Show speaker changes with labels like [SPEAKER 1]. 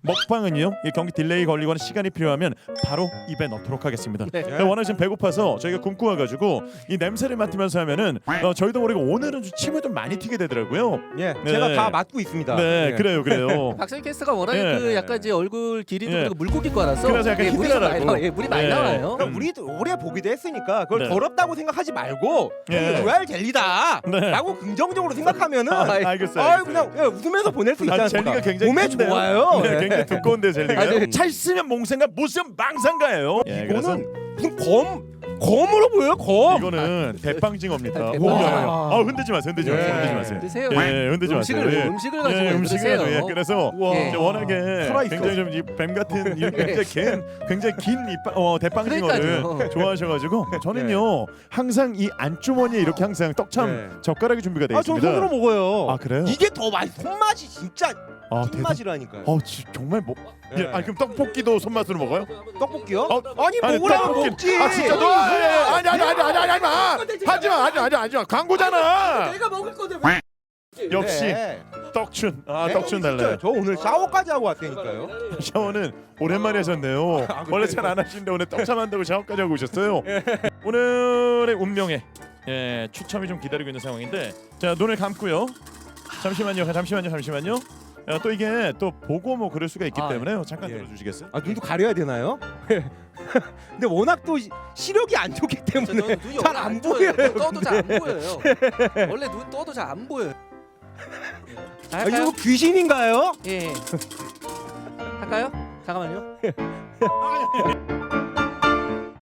[SPEAKER 1] 먹방은요, 이 경기 딜레이 걸리거나 시간이 필요하면 바로 입에 넣도록 하겠습니다.
[SPEAKER 2] 네.
[SPEAKER 1] 워낙 지금 배고파서 저희가 굶고 와가지고 이 냄새를 맡으면서 하면은 저희도 모르게 오늘은 좀 침을 좀 많이 튀게 되더라고요.
[SPEAKER 3] 예,
[SPEAKER 1] 네.
[SPEAKER 3] 제가 다 맡고 있습니다.
[SPEAKER 1] 네,
[SPEAKER 3] 예.
[SPEAKER 1] 그래요.
[SPEAKER 2] 박성희 캐스터가 워낙에
[SPEAKER 1] 예.
[SPEAKER 2] 그 약간 이제 얼굴 길이도
[SPEAKER 1] 예.
[SPEAKER 2] 그리고 물고기과라서
[SPEAKER 1] 그래서 약간
[SPEAKER 2] 물이 좀 많이
[SPEAKER 1] 히드라라고.
[SPEAKER 2] 나와요. 예, 물이 많이
[SPEAKER 1] 예.
[SPEAKER 2] 나와요.
[SPEAKER 3] 그러니까 우리도 오래 보기도 했으니까 그걸
[SPEAKER 1] 네.
[SPEAKER 3] 더럽다고 생각하지 말고
[SPEAKER 1] 예.
[SPEAKER 3] 로얄 젤리다라고
[SPEAKER 1] 네.
[SPEAKER 3] 긍정적으로 생각하면은
[SPEAKER 1] 알겠어요.
[SPEAKER 3] 아유 그냥 예, 웃으면서 보낼 수 있지
[SPEAKER 1] 아,
[SPEAKER 3] 않습니까?
[SPEAKER 1] 젤리가 굉장히
[SPEAKER 3] 몸에
[SPEAKER 1] 큰데요?
[SPEAKER 3] 좋아요.
[SPEAKER 1] 네,
[SPEAKER 3] 예.
[SPEAKER 1] 굉장히 두꺼운데 젤리가.
[SPEAKER 2] 아, 네.
[SPEAKER 1] 잘 쓰면 몽생가, 못 쓰면 망상가예요. 예, 그래서
[SPEAKER 3] 이거는 무슨 검으로 보여요? 검.
[SPEAKER 1] 이거는 대빵징어입니다.
[SPEAKER 2] 대빵.
[SPEAKER 1] 오, 야, 야. 흔들지 마세요. 흔들지 마세요.
[SPEAKER 3] 예.
[SPEAKER 1] 흔들지 마세요.
[SPEAKER 2] 드세요.
[SPEAKER 1] 예, 흔들지
[SPEAKER 2] 음식을
[SPEAKER 1] 마세요. 예.
[SPEAKER 2] 음식을 가지고
[SPEAKER 1] 예, 음식을
[SPEAKER 2] 드세요.
[SPEAKER 1] 가지고, 예. 그래서
[SPEAKER 3] 우와.
[SPEAKER 2] 예.
[SPEAKER 1] 이제 워낙에
[SPEAKER 3] 살아있어.
[SPEAKER 1] 굉장히 좀 이 뱀 같은 이 굉장히 긴 대빵징어를
[SPEAKER 2] 그러니까요.
[SPEAKER 1] 좋아하셔가지고 저는요 항상 이 안주머니에 이렇게 항상 떡참
[SPEAKER 3] 네.
[SPEAKER 1] 젓가락이 준비가 되어
[SPEAKER 3] 아, 전
[SPEAKER 1] 있습니다.
[SPEAKER 3] 손으로 먹어요.
[SPEAKER 1] 아, 그래요?
[SPEAKER 3] 이게 더 맛. 손맛이 진짜
[SPEAKER 1] 아,
[SPEAKER 3] 찐맛이라니까요.
[SPEAKER 1] 정말 뭐?
[SPEAKER 3] 예.
[SPEAKER 1] 예, 그럼 떡볶이도 손맛으로 먹어요?
[SPEAKER 3] 떡볶이요?
[SPEAKER 1] 어,
[SPEAKER 3] 아니 먹으라고
[SPEAKER 1] 떡볶이.
[SPEAKER 3] 먹지.
[SPEAKER 1] 아 진짜 너 아니 하지마 광고잖아.
[SPEAKER 2] 내가 먹을 건데
[SPEAKER 1] 역시
[SPEAKER 3] 네.
[SPEAKER 1] 떡춘
[SPEAKER 3] 네,
[SPEAKER 1] 떡춘
[SPEAKER 3] 진짜
[SPEAKER 1] 달라요.
[SPEAKER 3] 저 오늘 샤워까지 하고 왔다니까요.
[SPEAKER 1] 샤워는 오랜만에 하셨네요. 원래 잘 안 하시는데 오늘 떡참 한다고 샤워까지 하고 오셨어요. 오늘의 운명에 추첨이 좀 기다리고 있는 상황인데 자 눈을 감고요. 잠시만요. 또 이게 또 보고 뭐 그럴 수가 있기
[SPEAKER 2] 아,
[SPEAKER 1] 때문에요. 잠깐
[SPEAKER 3] 예.
[SPEAKER 1] 들어주시겠어요?
[SPEAKER 3] 아 눈도 가려야 되나요? 근데 워낙 또 시력이 안 좋기 때문에
[SPEAKER 2] 눈이
[SPEAKER 3] 잘 안 보여요.
[SPEAKER 2] 떠도 잘 안 보여요. 원래 눈 떠도 잘 안 보여요. 자,
[SPEAKER 3] 아,
[SPEAKER 2] 할까요?
[SPEAKER 3] 이거 귀신인가요?
[SPEAKER 2] 예. 할까요? 잠깐만요.